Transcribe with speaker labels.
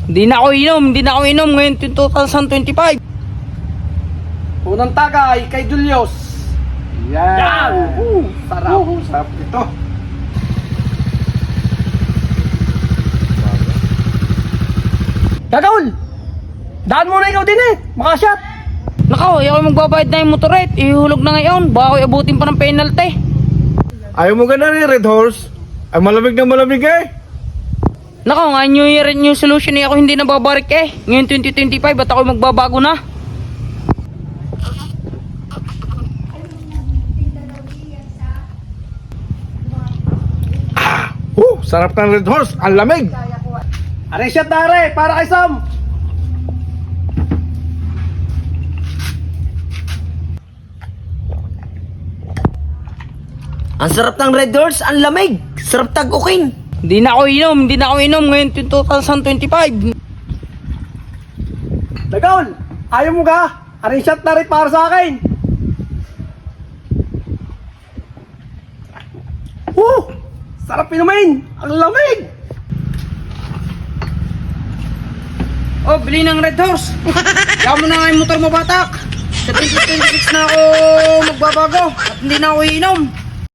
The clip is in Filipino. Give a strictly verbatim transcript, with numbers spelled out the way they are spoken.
Speaker 1: Hindi na ako inom, hindi na ako inom ngayon twenty twenty-five.
Speaker 2: Unang tagay kay Julius. Yan.
Speaker 3: Yan!
Speaker 2: Uh, sarap. Uh, sarap ito. Gagawin! Daan muna ikaw din eh. Makashot.
Speaker 1: Nakaw, ayaw ko magbabayad na yung motoret. Ihulog na ngayon, baka ako abutin pa ng penalty.
Speaker 3: Ayaw mo ka na rin, Red Horse? Ay malamig na malamig eh.
Speaker 1: Nakaw, nga New Year and New Solution eh, ako hindi nababarik eh. Ngayon twenty twenty-five, ba't ako magbabago na?
Speaker 3: Uh, sarap ng Red Horse. Ang lamig.
Speaker 2: Are shot na are, para kay Sam.
Speaker 4: Ang sarap ng Red Horse, ang lamig. Sarap tag-ukin.
Speaker 1: Hindi na ako inom, hindi na ako inom ngayon twenty twenty-five.
Speaker 2: Gagawin! Ayaw mo ka? Are shot na rin para sa akin. Uh! Sarap inumin! Ang lamig!
Speaker 1: Oh, bili ng Red Horse. Kaya mo na nga yung motor mo, batak. Sa twenty twenty-six na ako magbabago at hindi na ako inom.